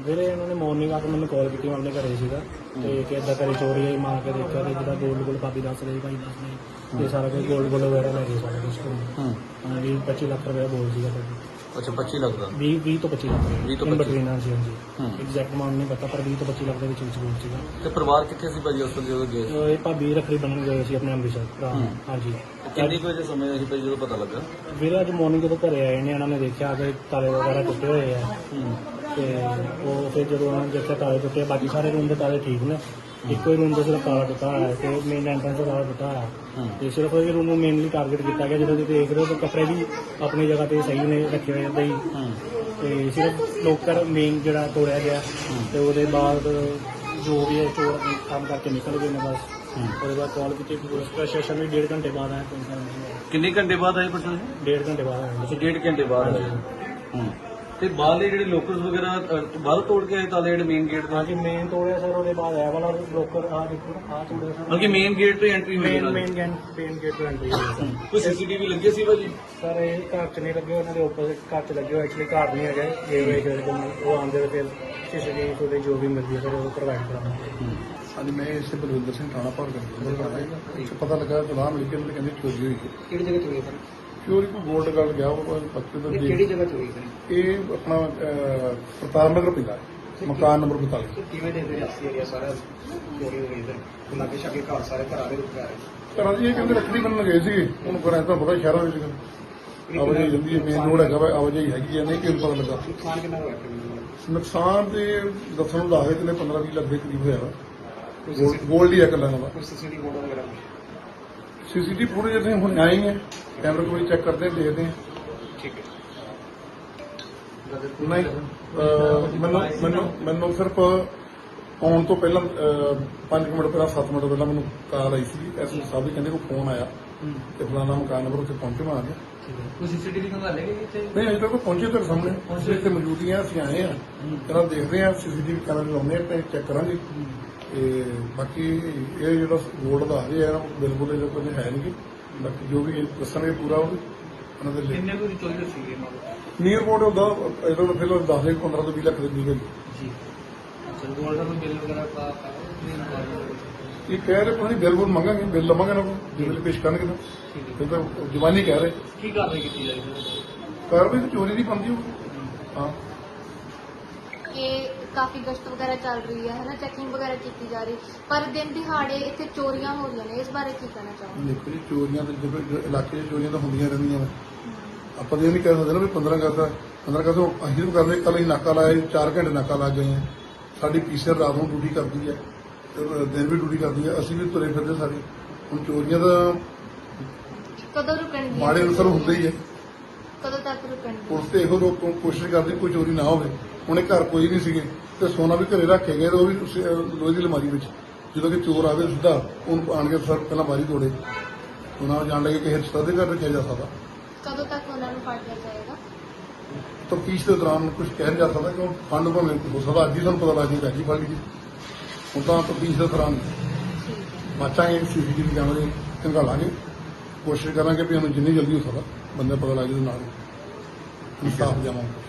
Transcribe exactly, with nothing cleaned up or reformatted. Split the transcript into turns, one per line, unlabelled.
ਵੀਰੇ ਇਹਨਾਂ ਨੇ ਮਾਰਨਿੰਗ ਆ ਕੇ ਮੈਨੂੰ ਕਾਲ ਕੀਤੀ, ਮੈਂ ਆਪਣੇ ਘਰੇ ਸੀਗਾ ਤੇ ਕਿ ਇੱਦਾਂ ਘਰੇ ਚੋਰੀ ਆਈ, ਮਾਰ ਕੇ ਦੇਖਿਆ ਤੇ ਜਿਹਦਾ ਗੋਲਡ ਗੋਲਡ ਭਾਬੀ ਦੱਸ ਰਹੀ ਭਾਈ ਦੱਸ ਰਹੀ ਤੇ ਸਾਰਾ ਕੁਝ ਗੋਲਡ ਗੋਲਡ ਵਗੈਰਾ ਲੈ ਗਏ ਸਾਰਾ ਕੁਝ ਕੋਲ। ਹਾਂ ਵੀਹ ਪੱਚੀ ਲੱਖ ਰੁਪਏ ਬੋਲ ਸੀਗਾ ਭਾਜੀ।
ਅੱਛਾ ਪੱਚੀ ਲੱਖ ਦਾ?
ਵੀਹ ਵੀਹ ਤੋਂ ਪੱਚੀ ਲੱਖ
ਵੀਹ ਤੋਂ
ਰੁਪਏ
ਪੱਚੀ।
ਬਟਵੀਨ। ਹਾਂਜੀ ਹਾਂਜੀ ਐਗਜ਼ੈਕਟ ਅਮਾਊਂਟ ਨਹੀਂ ਪਤਾ ਪਰ ਵੀਹ ਤੋਂ ਪੱਚੀ ਲੱਖ ਦੇ ਵਿੱਚ ਵਿੱਚ ਬੋਲ ਸੀਗਾ।
ਤੇ ਪਰਿਵਾਰ ਕਿੱਥੇ ਸੀ ਭਾਜੀ ਉਸ ਵੇਲੇ ਜਦੋਂ ਗਏ?
ਇਹ ਭਾਬੀ ਰੱਖੜੀ ਬੰਨ੍ਹਣ ਗਏ ਸੀ ਆਪਣੇ ਅੰਮ੍ਰਿਤਸਰ ਭਰਾ। ਹਾਂਜੀ
ਕਿੰਨੇ ਕੁ ਵਜੇ ਸਮੇਂ ਸੀ ਭਾਜੀ ਜਦੋਂ ਪਤਾ ਲੱਗਾ?
ਵੀਰੇ ਅੱਜ ਮਾਰਨਿੰਗ ਜਦੋਂ ਘਰੇ ਆਏ ਨੇ ਇਹਨਾਂ ਨੇ ਦੇਖਿਆ ਕਿ ਤਾਲੇ ਵਗੈਰਾ ਟੁੱਟੇ ਹੋਏ ਆ ਤੇ ਉਹ ਫਿਰ ਜਦੋਂ ਉਹਨਾਂ ਨੇ ਦੇਖਿਆ ਤਾਲੇ ਟੁੱਟੇ, ਬਾਕੀ ਸਾਰੇ ਰੂਮ ਦੇ ਤਾਲੇ ਠੀਕ ਨੇ, ਇੱਕੋ ਹੀ ਰੂਮ ਦਾ ਸਿਰਫ ਤਾਲਾ ਟੁੱਟਾ ਹੋਇਆ ਤੇ ਮੇਨ ਐਂਟਰੈਂਸ ਦਾ ਤਾਲਾ ਟੁੱਟਾ ਹੋਇਆ ਤੇ ਸਿਰਫ ਇਹ ਰੂਮ ਨੂੰ ਮੇਨਲੀ ਟਾਰਗੇਟ ਕੀਤਾ ਗਿਆ। ਜਦੋਂ ਤੁਸੀਂ ਦੇਖ ਰਹੇ ਹੋ ਤਾਂ ਕੱਪੜੇ ਵੀ ਆਪਣੀ ਜਗ੍ਹਾ ਤੇ ਸਹੀ ਨੇ ਰੱਖੇ ਹੋਏ ਏਦਾਂ ਹੀ ਤੇ ਸਿਰਫ ਲੋਕਰ ਮੇਨ ਜਿਹੜਾ ਤੋੜਿਆ ਗਿਆ ਤੇ ਉਹਦੇ ਬਾਅਦ ਜੋ ਵੀ ਹੈ ਚੋਰ ਕੰਮ ਕਰਕੇ ਨਿਕਲ ਗਏ ਨੇ ਬਸ। ਉਹਦੇ ਬਾਅਦ ਕਾਲ ਕੀਤੀ ਪੁਲਿਸ ਪ੍ਰਸ਼ਾਸਨ ਵੀ ਡੇਢ ਘੰਟੇ ਬਾਅਦ ਆਇਆ।
ਕਿੰਨੇ ਘੰਟੇ ਬਾਅਦ ਆਏ ਪ੍ਰਸ਼ਾਸਨ?
ਡੇਢ ਘੰਟੇ ਬਾਅਦ ਆਇਆ।
ਅੱਛਾ ਡੇਢ ਘੰਟੇ ਬਾਅਦ ਆਏ। ਤੇ ਬਾਹਰਲੇ ਜਿਹੜੇ ਲੋਕਰਸ ਵਗੈਰਾ ਬਾਹਰ ਤੋੜ ਕੇ ਆਏ ਤਾਲੇ ਜਿਹੜੇ ਮੇਨ ਗੇਟ ਦੇ?
ਹਾਂਜੀ ਮੇਨ ਤੋੜਿਆ ਸਰ, ਉਹਦੇ ਬਾਅਦ ਇਹ ਵਾਲਾ ਲੋਕਰ ਆ ਦੇਖੋ ਆ ਤੋੜਿਆ ਸਰ।
ਬਲਕਿ ਮੇਨ ਗੇਟ ਤੋਂ ਐਂਟਰੀ ਹੋਈ?
Main main gate main gate ਤੋਂ ਐਂਟਰੀ ਹੋਈ ਸਰ।
ਕੋਈ ਸੀਸੀਟੀਵੀ ਲੱਗੇ ਸੀ ਭਾਜੀ?
ਸਰ ਇਹ ਘਰ ਚ ਨਹੀਂ ਲੱਗੇ, ਉਹਨਾਂ ਦੇ ਆਪੋਜ਼ਿਟ ਘਰ ਚ ਲੱਗੇ ਹੋਏ। ਐਕਚੁਅਲੀ ਘਰ ਨਹੀਂ ਹੈਗੇ ਇਹ ਵੇਚ ਉਹ ਆਉਂਦੇ ਫਿਰ ਸੀਸੀਟੀਵੀ ਤੋਂ ਜੋ ਵੀ ਮਿਲਦੀ ਹੈ ਸਰ ਉਹ ਪ੍ਰੋਵਾਈਡ ਕਰਾਂਗੇ।
ਹਾਂਜੀ ਮੈਂ ਇਸੇ ਬਲਵਿੰਦਰ ਸਿੰਘ ਥਾਣਾ ਭਰ ਕਰ ਪਤਾ ਲੱਗਾ ਤਲਾਹ ਮਿਲ ਕੇ ਉਹਨੇ ਕਹਿੰਦੇ ਚੋਰੀ ਹੋਈ ਹੈ।
ਕਿਹੜੀ ਜਗ੍ਹਾ ਚੋਰੀ ਸਰ?
ਚੋਰੀ ਕੋਈ ਗੋਲਡ ਗੱਲ ਗਿਆ ਉਹ ਪੱਕੇ ਤੋਂ
ਕਿਹੜੀ ਜਗ੍ਹਾ ਚੋਰੀ ਸਰ?
ਇਹ ਆਪਣਾ ਅਹ, ਪ੍ਰਤਾਪ ਨਗਰ ਪੈਂਦਾ ਹੈ, ਮਕਾਨ ਨੰਬਰ ਬਤਾਲੀ।
ਕਿਵੇਂ ਦੇ ਰਿਆਸੀ ਏਰੀਆ ਸਾਰਾ ਚੋਰੀ ਹੋ ਗਈ ਸਰ? ਲਾਗੇ ਛਾਗੇ ਘਰ ਸਾਰੇ ਘਰਾਂ ਦੇ ਰੁਕ ਗਏ।
ਘਰਾਂ ਦੀ ਇਹ ਕਹਿੰਦੇ ਰੱਖੜੀ ਬੰਨਣ ਗਏ ਸੀ, ਉਹਨੂੰ ਘਰਾਂ ਤਾਂ ਪਤਾ ਸ਼ਹਿਰਾਂ ਵਿੱਚ ਆਵਾਜਾਈ ਜਾਂਦੀ ਹੈ, ਮੇਨ ਰੋਡ ਹੈਗਾ ਵਾ, ਆਵਾਜਾਈ ਹੈਗੀ ਹੈ, ਨਹੀਂ ਕਿਉਂ ਪਤਾ ਲੱਗਾ।
ਨੁਕਸਾਨ ਕਿੰਨਾ ਹੋਇਆ?
ਨੁਕਸਾਨ ਤੇ ਦੱਸਣ ਨੂੰ ਦੱਸਦੇ ਤੇ ਪੰਦਰਾਂ ਵੀਹ ਲੱਖ ਦੇ ਕਰੀਬ ਹੋਇਆ ਵਾ। ਗੋਲਡ ਹੀ ਹੈ ਇਕੱਲਾ ਦਾ।
ਕੋਈ ਸੀਸੀਟੀਵੀ ਫੋਟੋ ਵਗੈਰਾ?
ਸੀਸੀਟੀਵੀ ਫੁਟੇਜ ਅਸੀਂ ਹੁਣ ਆਏ ਹੀ ਹੈ, ਕੈਮਰੇ ਕੋਈ ਚੈੱਕ ਕਰਦੇ ਹਾਂ, ਦੇਖਦੇ ਹਾਂ।
ਠੀਕ ਹੈ।
ਨਹੀਂ ਅਹ, ਮੈਨੂੰ ਮੈਨੂੰ ਮੈਨੂੰ ਸਿਰਫ ਆਉਣ ਤੋਂ ਪਹਿਲਾਂ ਪੰਜ ਮਿੰਟ ਪਹਿਲਾਂ ਸੱਤ ਮਿੰਟ ਪਹਿਲਾਂ ਮੈਨੂੰ ਕਾਲ ਆਈ ਸੀ, ਐਸ ਸਾਹਿਬ ਦੀ ਕਹਿੰਦੇ ਕੋਈ ਫੋਨ ਆਇਆ ਤੇ ਫਲਾਣਾ ਮਕਾਨ ਨੰਬਰ ਉੱਤੇ ਪਹੁੰਚੇ ਮੈਂ ਆ ਗਿਆ।
ਕੋਈ ਸੀਸੀਟੀਵੀ ਖੰਗਾਲੇ ਗਏ ਇੱਥੇ?
ਨਹੀਂ ਅਜੇ ਤੱਕ ਪਹੁੰਚੇ ਤੇਰੇ ਸਾਹਮਣੇ, ਅਸੀਂ ਇੱਥੇ ਮੌਜੂਦ ਹੀ ਹਾਂ, ਅਸੀਂ ਆਏ ਹਾਂ ਇਹਨਾਂ ਦੇਖਦੇ ਹਾਂ, ਸੀਸੀਟੀਵੀ ਕੈਮਰੇ ਲਾਉਂਦੇ ਹਾਂ ਤੇ ਚੈੱਕ ਕਰਾਂਗੇ। ਤੇ ਬਾਕੀ ਇਹ ਜਿਹੜਾ ਗੋਲਡ ਦਾ ਹਜੇ ਹੈ ਬਿਲਕੁਲ ਇਹਦੇ ਕੋਲ ਹੈ ਨਹੀਂ, ਬਾਕੀ ਜੋ ਵੀ ਦੱਸਣਗੇ ਪੂਰਾ ਉਹ ਉਹਨਾਂ ਦੇ ਲਈ।
ਕਿੰਨੇ ਕੋਈ ਚੋਰੀ ਸੀਗੇ ਨਾਲ?
ਨੀਅਰ ਬੋਰਡ ਹੁੰਦਾ ਇਹਦਾ ਤਾਂ ਫਿਰ ਦੱਸ ਦੇ ਪੰਦਰਾਂ ਤੋਂ ਵੀਹ ਲੱਖ ਦੇ ਨਿਕਲ
ਜੀ ਗੋਲਡ ਦਾ ਬਿੱਲ ਵਗੈਰਾ ਪਾ
ਇਹ ਕਹਿ ਰਹੇ ਪਤਾ ਬਿੱਲ ਬੁੱਲ ਮੰਗਾਂਗੇ, ਬਿੱਲ ਲਵਾਂਗੇ ਨਾ ਬਿੱਲ ਪੇਸ਼ ਕਰਨਗੇ ਨਾ, ਇਹ ਤਾਂ ਜਵਾਨੀ ਕਹਿ ਰਹੇ।
ਕੀ ਕਾਰਵਾਈ ਕੀਤੀ ਜਾਏਗੀ?
ਕਾਰਵਾਈ ਤਾਂ ਚੋਰੀ ਦੀ ਬਣਦੀ ਹੋਊ। ਹਾਂ
ਇਹ ਕਾਫੀ ਗਸ਼ਤ ਵਗੈਰਾ ਚੱਲ ਰਹੀ ਹੈ ਹਨਾ, ਚੈਕਿੰਗ ਵਗੈਰਾ ਕੀਤੀ ਜਾ ਰਹੀ, ਪਰ ਦਿਨ ਦਿਹਾੜੇ ਇੱਥੇ ਚੋਰੀਆਂ ਹੋ ਰਹੀਆਂ ਨੇ, ਇਸ ਬਾਰੇ ਕੀ ਕਹਿਣਾ ਚਾਹੋਗੇ?
ਦੇਖੋ ਜੀ ਚੋਰੀਆਂ ਤਾਂ ਜਦੋਂ ਇਲਾਕੇ 'ਚ ਚੋਰੀਆਂ ਤਾਂ ਹੁੰਦੀਆਂ ਰਹਿੰਦੀਆਂ ਨੇ, ਆਪਾਂ ਤਾਂ ਇਹ ਨਹੀਂ ਕਹਿ ਸਕਦੇ ਨਾ ਵੀ ਪੰਦਰਾਂ ਅਗਸਤ ਪੰਦਰਾਂ ਅਗਸਤ ਅਸੀਂ ਤਾਂ ਕਰਦੇ ਕੱਲ੍ਹ ਹੀ ਨਾਕਾ ਲਾਇਆ, ਚਾਰ ਘੰਟੇ ਨਾਕਾ ਲੱਗ ਗਏ ਆ। ਸਾਡੀ ਪੀਸੀਆਰ ਰਾਤ ਨੂੰ ਡਿਊਟੀ ਕਰਦੀ ਹੈ ਤੇ ਦਿਨ ਵੀ ਡਿਊਟੀ ਕਰਦੀ ਹੈ, ਅਸੀਂ ਵੀ ਤੁਰੇ ਫਿਰਦੇ ਸਾਰੇ। ਹੁਣ ਚੋਰੀਆਂ ਤਾਂ
ਕਦੋਂ ਰੁਕਣਗੀਆਂ?
ਮਾੜੇ ਅਨਸਰ ਹੁੰਦੇ ਹੀ ਹੈ,
ਕਦੋਂ ਤੱਕ ਰੁਕਣਗੀਆਂ?
ਪੁਲਿਸ ਤੇ ਇਹੋ ਰੋਕ ਕੋਸ਼ਿਸ਼ ਕਰਦੀ ਕੋਈ ਚੋਰੀ ਨਾ ਹੋਵੇ। ਹੁਣੇ ਘਰ ਕੋਈ ਨਹੀਂ ਸੀਗੇ ਤੇ ਸੋਨਾ ਵੀ ਘਰੇ ਰੱਖੇ ਗਏ ਤੇ ਉਹ ਵੀ ਉਸੇ, ਅਹ, ਲੋਹੇ ਦੀ ਅਲਮਾਰੀ ਵਿੱਚ। ਜਦੋਂ ਕਿ ਚੋਰ ਆਵੇ ਸਿੱਧਾ ਉਹਨੂੰ ਆਣ ਕੇ ਸਰ ਪਹਿਲਾਂ ਬਾਰੀ ਤੋੜੇ, ਉਹਨਾਂ ਜਾਣ ਲੱਗੇ ਕਿ ਰਿਸ਼ਤਾ ਦੇ ਘਰ ਰੱਖਿਆ ਜਾ ਸਕਦਾ।
ਕਦੋਂ ਤੱਕ ਉਹਨਾਂ ਨੂੰ ਫੜ ਲਿਆ ਜਾਏਗਾ?
ਤਫਤੀਸ਼ ਦੇ ਦੌਰਾਨ ਕੁਝ ਕਹਿ ਨਹੀਂ ਜਾ ਸਕਦਾ ਕਿਉਂ ਫੰਡ ਭਾਵੇਂ ਹੋ ਸਕਦਾ ਅੱਜ ਹੀ ਸਾਨੂੰ ਪਤਾ ਲੱਗ ਜਾਏਗਾ, ਅੱਜ ਹੀ ਫੜ ਲਈ। ਹੁਣ ਤਾਂ ਤਫਤੀਸ਼ ਦੇ ਦੌਰਾਨ
ਠੀਕ ਹੈ।
ਬਾਚਾਂਗੇ, ਸੀਸੀਟੀਵੀ ਕੈਮਰੇ ਖੰਗਾਲਾਂਗੇ, ਕੋਸ਼ਿਸ਼ ਕਰਾਂਗੇ ਵੀ ਸਾਨੂੰ ਜਿੰਨੀ ਜਲਦੀ ਹੋ ਸਕਦਾ ਬੰਦੇ ਪਤਾ ਲੱਗ ਜਾਵੇ ਨਾਲ ਇਨਸਾਫ ਜਾਵਾਂਗੇ।